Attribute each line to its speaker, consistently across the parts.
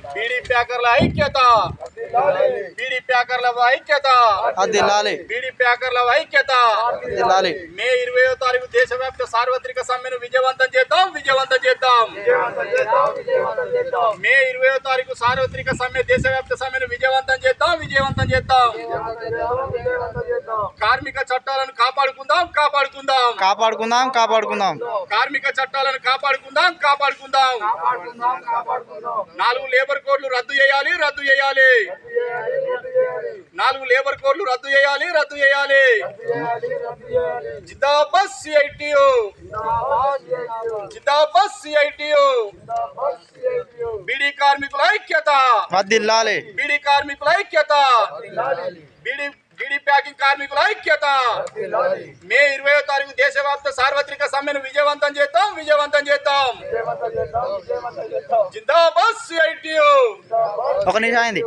Speaker 1: బీడీ ప్యాకర్ల ఐక్యత, బీడీ ప్యాకర్ల ఐక్యత, బీడీ ప్యాకర్ల ఐక్యత. మే 20వ తారీఖు దేశవ్యాప్త సార్వత్రిక సమ్మెను విజయవంతం చేద్దాం, విజయవంతం చేద్దాం. మే 20వ తారీఖు సార్వత్రిక సమ్మె దేశవ్యాప్త సమ్మెను విజయవంతం చేద్దాం, విజయవంతం చేద్దాం. కార్మిక చట్టాలను కాపాడుకుందాం, కాపాడుకుందాం,
Speaker 2: కాపాడుకుందాం, కాపాడుకుందాం.
Speaker 1: కార్మిక చట్టాలను కాపాడుకుందాం, కాపాడుకుందాం. 4 లేబర్ కోడ్లు రద్దు చేయాలి, రద్దు చేయాలి. 4 లేబర్ కోడ్లు రద్దు చేయాలి, రద్దు చేయాలి. జిందాబాద్ సిఐటియు, జిందాబాద్ సిఐటియు. బీడీ కార్మికుల ఐక్యత,
Speaker 2: వర్ధిల్లాలి.
Speaker 1: బీడీ కార్మికుల ఐక్యత, బీడీ ప్యాకింగ్ కార్మికుల ఐక్యత. మే 20వ తారీఖు దేశవ్యాప్త సార్వత్రిక సమ్మెను విజయవంతం చేద్దాం, విజయవంతం చేద్దాం. జిందాబాద్ సిఐటియు.
Speaker 2: ఒక నిమిషం అయింది.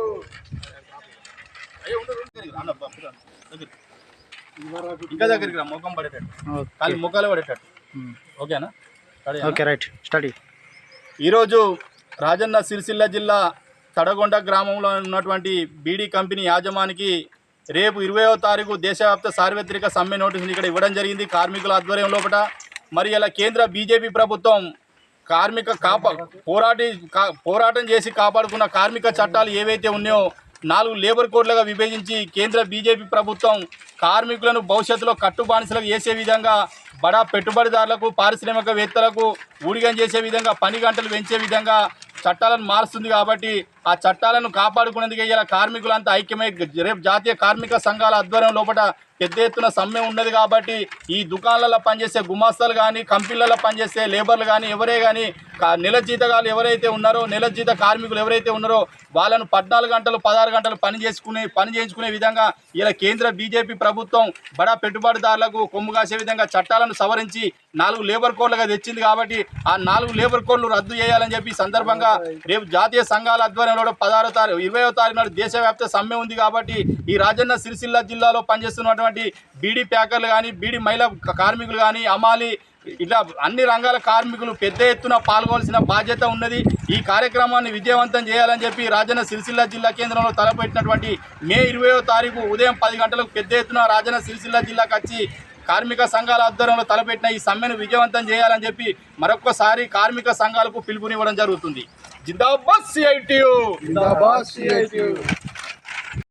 Speaker 1: ఇంకా దగ్గరికి రా, ముఖం పడేటట్టు, ఖాళీ ముఖాలు పడేటట్టు. ఓకేనా?
Speaker 2: Okay, right, study.
Speaker 1: ఈరోజు రాజన్న సిరిసిల్ల జిల్లా తడగొండ గ్రామంలో ఉన్నటువంటి బీడీ కంపెనీ యాజమానికి రేపు 20వ తారీఖు దేశవ్యాప్త సార్వత్రిక సమ్మె నోటీసులు ఇక్కడ ఇవ్వడం జరిగింది కార్మికుల ఆధ్వర్యం లోపల. మరి ఇలా కేంద్ర బీజేపీ ప్రభుత్వం కార్మిక పోరాటం చేసి కాపాడుకున్న కార్మిక చట్టాలు ఏవైతే ఉన్నాయో 4 లేబర్ కోడ్లుగా విభజించి కేంద్ర బీజేపీ ప్రభుత్వం కార్మికులను భవిష్యత్తులో కట్టుబానిసలకు చేసే విధంగా బడా పెట్టుబడిదారులకు, పారిశ్రామికవేత్తలకు ఊడిగం చేసే విధంగా, పని గంటలు పెంచే విధంగా చట్టాలను మారుస్తుంది. కాబట్టి ఆ చట్టాలను కాపాడుకునేందుకు ఇలా కార్మికులంతా ఐక్యమై రేపు జాతీయ కార్మిక సంఘాల ఆధ్వర్యం లోపల పెద్ద ఎత్తున సమ్మె ఉన్నది. కాబట్టి ఈ దుకాణాలలో పనిచేసే గుమాస్తాలు కానీ, కంపెనీలలో పనిచేసే లేబర్లు కానీ, ఎవరే కానీ నెల జీతగాలు ఎవరైతే ఉన్నారో, నెల జీత కార్మికులు ఎవరైతే ఉన్నారో వాళ్ళను 14 గంటలు 16 గంటలు పని చేయించుకునే విధంగా ఇలా కేంద్ర బీజేపీ ప్రభుత్వం బడా పెట్టుబడిదారులకు కొమ్ము కాసే విధంగా చట్టాలను సవరించి 4 లేబర్ కోడ్లుగా తెచ్చింది. కాబట్టి ఆ 4 లేబర్ కోడ్లు రద్దు చేయాలని చెప్పి సందర్భంగా రేపు జాతీయ సంఘాల ఆధ్వర్యంలో 20వ తారీఖు నాడు దేశవ్యాప్త సమ్మె ఉంది. కాబట్టి ఈ రాజన్న సిరిసిల్ల జిల్లాలో పనిచేస్తున్నటువంటి బీడీ ప్యాకర్లు కానీ, బీడీ మహిళా కార్మికులు కానీ, అమాలి ఇట్లా అన్ని రంగాల కార్మికులు పెద్ద ఎత్తున పాల్గొనాల్సిన బాధ్యత ఉన్నది. ఈ కార్యక్రమాన్ని విజయవంతం చేయాలని చెప్పి రాజన్న సిరిసిల్ల జిల్లా కేంద్రంలో తలపెట్టినటువంటి మే 20వ తారీఖు ఉదయం 10 గంటలకు పెద్ద ఎత్తున రాజన్న సిరిసిల్ల జిల్లాకు వచ్చి కార్మిక సంఘాల ఆధ్వర్యంలో తలపెట్టిన ఈ సమ్మెను విజయవంతం చేయాలని చెప్పి మరొక్కసారి కార్మిక సంఘాలకు పిలుపునివ్వడం జరుగుతుంది. జిందాబాద్ సిఐటియు, జిందాబాద్ సిఐటియు.